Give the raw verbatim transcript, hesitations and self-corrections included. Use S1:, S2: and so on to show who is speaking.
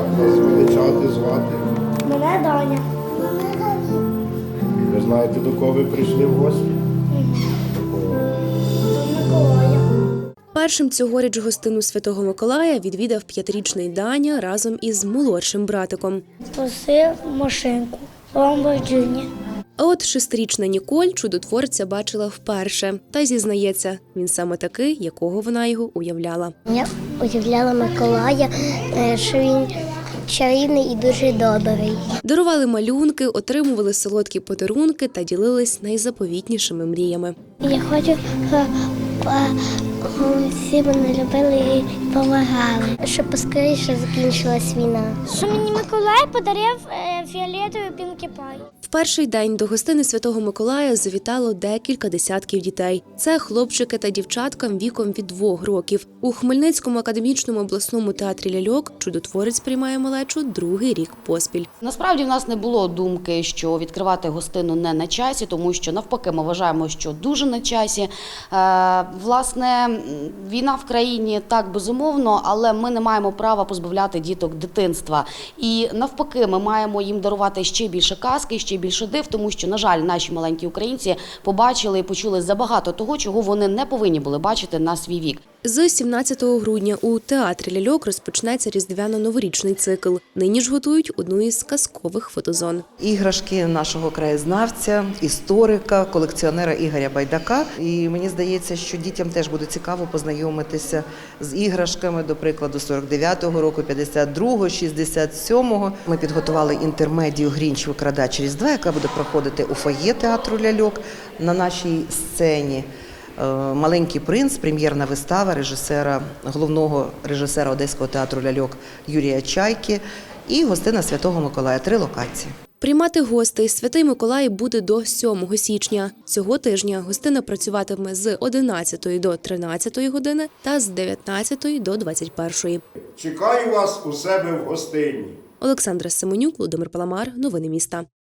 S1: Як вас величати, звати?
S2: Мене Даня.
S1: Ви знаєте, до кого ви прийшли в гості? До кого?
S2: До Миколая.
S3: Першим цьогоріч гостину Святого Миколая відвідав п'ятирічний Даня разом із молодшим братиком.
S2: Просив машинку. Ламборджині.
S3: А от шестирічна Ніколь чудотворця бачила вперше. Та зізнається, він саме такий, якого вона його уявляла.
S2: Я уявляла Миколая, що він чарівний і дуже добрий.
S3: Дарували малюнки, отримували солодкі подарунки та ділились найзаповітнішими мріями.
S2: Я хочу, щоб всі мене любили і допомагали, щоб поскоріше закінчилась війна. Що мені Миколай подарив фіолетовий Пінкі Пай.
S3: В перший день до гостини Святого Миколая завітало декілька десятків дітей. Це хлопчики та дівчатка віком від двох років. У Хмельницькому академічному обласному театрі ляльок чудотворець приймає малечу другий рік поспіль.
S4: Насправді в нас не було думки, що відкривати гостину не на часі, тому що навпаки ми вважаємо, що дуже на часі. Е, власне, війна в країні так безумовно, але ми не маємо права позбавляти діток дитинства. І навпаки, ми маємо їм дарувати ще більше казки, ще більше див, тому що, на жаль, наші маленькі українці побачили і почули забагато того, чого вони не повинні були бачити на свій вік.
S3: З сімнадцятого грудня у театрі ляльок розпочнеться різдвяно-новорічний цикл. Нині ж готують одну із казкових фотозон.
S5: Іграшки нашого краєзнавця, історика, колекціонера Ігоря Байдака. І мені здається, що дітям теж буде цікаво познайомитися з іграшками, до прикладу, сорок дев'ятого року, п'ятдесят другого, шістдесят сьомого. Ми підготували інтермедію «Грінч викрадач Різдва», яка буде проходити у фоє театру ляльок на нашій сцені. «Маленький принц», прем'єрна вистава режисера, головного режисера Одеського театру ляльок Юрія Чайки і гостина Святого Миколая. Три локації.
S3: Приймати гостей Святий Миколай буде до сьомого січня. Цього тижня гостина працюватиме з одинадцятої до тринадцятої години та з дев'ятнадцятої до двадцять першої.
S1: Чекаю вас у себе в гостині.
S3: Олександра Семенюк, Володимир Паламар. Новини міста.